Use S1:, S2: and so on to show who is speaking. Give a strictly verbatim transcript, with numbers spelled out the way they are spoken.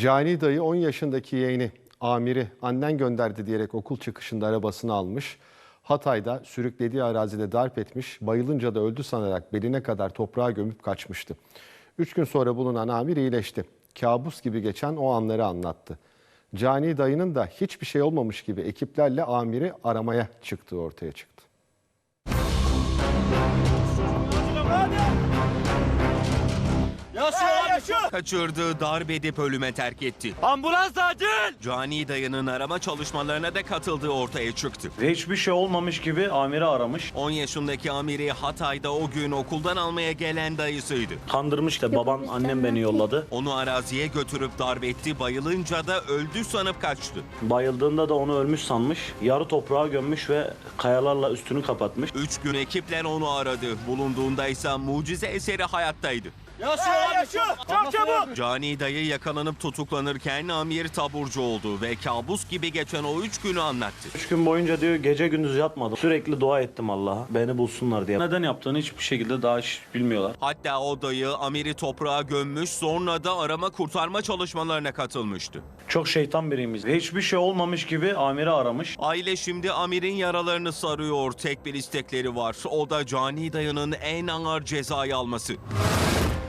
S1: Cani dayı on yaşındaki yeğeni Amir'i annen gönderdi diyerek okul çıkışında arabasını almış. Hatay'da sürüklediği arazide darp etmiş, bayılınca da öldü sanarak beline kadar toprağa gömüp kaçmıştı. Üç gün sonra bulunan Amir iyileşti. Kabus gibi geçen o anları anlattı. Cani dayının da hiçbir şey olmamış gibi ekiplerle Amir'i aramaya çıktığı ortaya çıktı.
S2: Kaçırdığı, darp edip ölüme terk etti.
S3: Ambulans acil!
S2: Cani dayının arama çalışmalarına da katıldığı ortaya çıktı.
S3: Hiçbir şey olmamış gibi amiri aramış.
S2: on yaşındaki Amir'i Hatay'da o gün okuldan almaya gelen dayısıydı.
S3: Kandırmış da babam, annem beni yolladı.
S2: Onu araziye götürüp darp etti, bayılınca da öldü sanıp kaçtı.
S3: Bayıldığında da onu ölmüş sanmış. Yarı toprağa gömmüş ve kayalarla üstünü kapatmış.
S2: Üç gün ekipler onu aradı. Bulunduğunda ise mucize eseri hayattaydı.
S3: Yaşıyor abi, yaşıyor! Çok çabuk!
S2: Cani dayı yakalanıp tutuklanırken Amir taburcu oldu ve kabus gibi geçen o üç günü anlattı.
S3: Üç gün boyunca diyor gece gündüz yatmadım. Sürekli dua ettim Allah'a beni bulsunlar diye. Neden yaptığını hiçbir şekilde daha hiç bilmiyorlar.
S2: Hatta o dayı Amir'i toprağa gömmüş, sonra da arama kurtarma çalışmalarına katılmıştı.
S3: Çok şeytan biriymiş. Hiçbir şey olmamış gibi amiri aramış.
S2: Aile şimdi Amir'in yaralarını sarıyor. Tek bir istekleri var. O da Cani dayının en ağır cezayı alması.